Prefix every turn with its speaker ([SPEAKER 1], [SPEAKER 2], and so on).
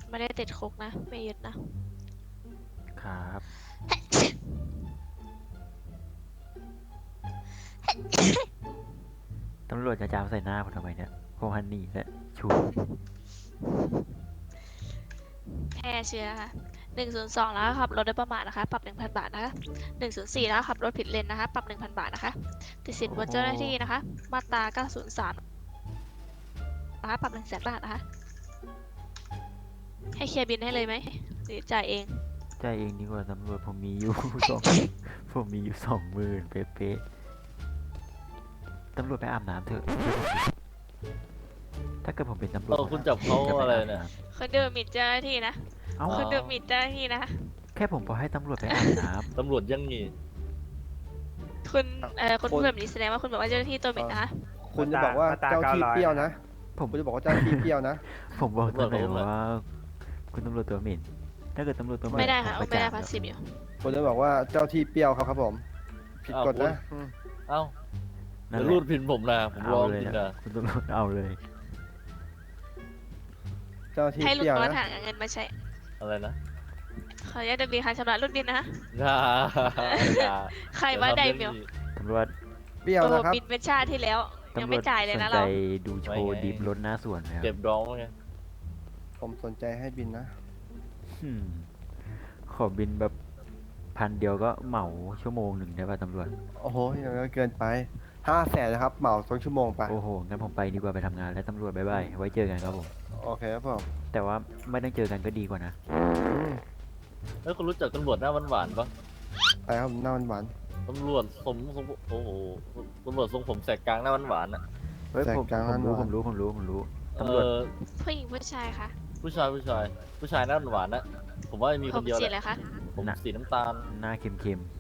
[SPEAKER 1] ไม่ได้ติดคุกนะไม่ยึดนะ
[SPEAKER 2] ครับ ตำรวจจะจามใส่หน้าผมทำไมเนี่ยโคฮันนี่และชู
[SPEAKER 1] แพร่เชื้อค่ะ102แล้วขับรถโดยประมาทนะคะ ปรับ 1,000 บาทนะคะ104แล้วขับรถผิดเลนนะคะ ปรับ 1,000 บาทนะคะติดสินบนเจ้าหน้าที่นะคะ มาตรา903นะคะปรับ 100,000 บาทนะคะ ให้เคลียร์บินให้เลยไหมหรือจ่ายเอง
[SPEAKER 2] ใจเองดีกว่าตำรวจผมมีอยู่ สองผมมีอยู่20,000เป๊ะๆตำรวจไปอาบน้ำเถอะเชื่อผมดิถ้าเกิดผมเป็นตำรวจ
[SPEAKER 3] คุณจับเขาอะไรเนี่ย
[SPEAKER 1] คนดูหมิ่นเจ้าหน้าที่นะ
[SPEAKER 2] เอ้า
[SPEAKER 1] คนดูหมิ่นเจ้าหน้าที่นะ
[SPEAKER 2] แค่ผมบอกให้ตำรวจไปอาบน้
[SPEAKER 3] ตำรวจยังงี้
[SPEAKER 1] คุณพูดแบบนี้แสดงว่าคุณบอกว่าเจ้าหน้าที่ตัวหมิ่นนะคะ
[SPEAKER 4] คุณจะบอกว่าเจ้าที่เปรี้ยวนะ
[SPEAKER 2] ำผม
[SPEAKER 4] คุณจะบอกว่าเจ้าที่เปรี้ยวนะ
[SPEAKER 2] ผมบอกตำรวจว่า คุณตำรวจตัวเหม็นถ้าเกิดตำรวจตัวเหม็น
[SPEAKER 1] ไม่ได้ค่ะ
[SPEAKER 2] ผ
[SPEAKER 1] ไม่ได้
[SPEAKER 2] จ
[SPEAKER 1] พาสซีฟอยู่
[SPEAKER 4] คุณจะบอกว่าเจ้าที่เปรี้ยวครับผม ผิดกฎนะอืม
[SPEAKER 3] เอ้า
[SPEAKER 2] นั่น
[SPEAKER 3] เดี๋ยว
[SPEAKER 2] แหละ
[SPEAKER 3] รูดพินผมนะผมร้
[SPEAKER 2] เอา
[SPEAKER 3] อง
[SPEAKER 2] เลย
[SPEAKER 3] พิน
[SPEAKER 2] นะ
[SPEAKER 3] นะ
[SPEAKER 2] คุณตำรวจเอาเลย
[SPEAKER 4] เจ้าที่
[SPEAKER 1] ให้
[SPEAKER 4] เป
[SPEAKER 1] ลุง
[SPEAKER 4] รี้ยว
[SPEAKER 1] โน้ต
[SPEAKER 4] นะ
[SPEAKER 1] หาเงินมาใช้
[SPEAKER 3] อะไรนะ
[SPEAKER 1] ขออนุญาตดำเนินการชำระรุ่นบินนะคะ
[SPEAKER 3] อย่า
[SPEAKER 1] ใครว่าไดเมล
[SPEAKER 2] ตำรวจ
[SPEAKER 4] เปรี้ยว
[SPEAKER 1] โอ้โห
[SPEAKER 4] นะครับ
[SPEAKER 1] บินเป็นชาติที่แล้ว ยัง
[SPEAKER 2] ตำร
[SPEAKER 1] ไม่
[SPEAKER 2] วจ
[SPEAKER 1] จ่ายเลย
[SPEAKER 2] สน
[SPEAKER 1] นะ
[SPEAKER 2] ใจ
[SPEAKER 1] เรา
[SPEAKER 2] ดูโชว์ดิฟรถหน้าสวนไหมครั
[SPEAKER 3] เก็
[SPEAKER 2] บบ
[SPEAKER 3] ร้องไง
[SPEAKER 4] ผมสนใจให้บินนะ
[SPEAKER 2] อืมขอบินแบบ1,000ก็เหมาชั่วโมงหนึ่งได้ป่ะตำรวจ
[SPEAKER 4] โอ้โหยังเกินไป500,000นะครับ เหมา2 ชั่วโมงไป
[SPEAKER 2] โอ้โหงั้นผมไปดีกว่าไปทำงานแล้วตำรวจบ๊ายบายไว้เจอกันครับผม
[SPEAKER 4] โอเคครับผม
[SPEAKER 2] แต่ว่าไม่ต้องเจอกันก็ดีกว่านะ
[SPEAKER 4] อืม
[SPEAKER 3] แล้วคุณรู้จักตำรวจหน้าหวานๆปะ
[SPEAKER 4] ไปครับหน้าหวาน
[SPEAKER 3] ตำรวจสมโอ้โหตำรวจทรงผมแสกกลางหน้าหวานๆอ่ะ
[SPEAKER 2] เฮ้ย
[SPEAKER 4] แสก
[SPEAKER 2] ผม
[SPEAKER 4] กลาง
[SPEAKER 2] ผมรู้
[SPEAKER 4] ห
[SPEAKER 2] ผ
[SPEAKER 4] วาน
[SPEAKER 2] มรู้ผมรู้ผมรู้
[SPEAKER 3] เอ
[SPEAKER 2] ตำรวจ
[SPEAKER 3] อ
[SPEAKER 1] ผู้หญิงผู้ชายคะ
[SPEAKER 3] ผู้ชายหน้าหวานๆนะผมว่ามี
[SPEAKER 1] ผ
[SPEAKER 3] คน
[SPEAKER 1] ม
[SPEAKER 3] เดียว
[SPEAKER 1] สี
[SPEAKER 3] แห
[SPEAKER 1] อะไร
[SPEAKER 3] ละ
[SPEAKER 1] คะ
[SPEAKER 3] ผมสีน้ำตาล
[SPEAKER 2] หน้าเค็ม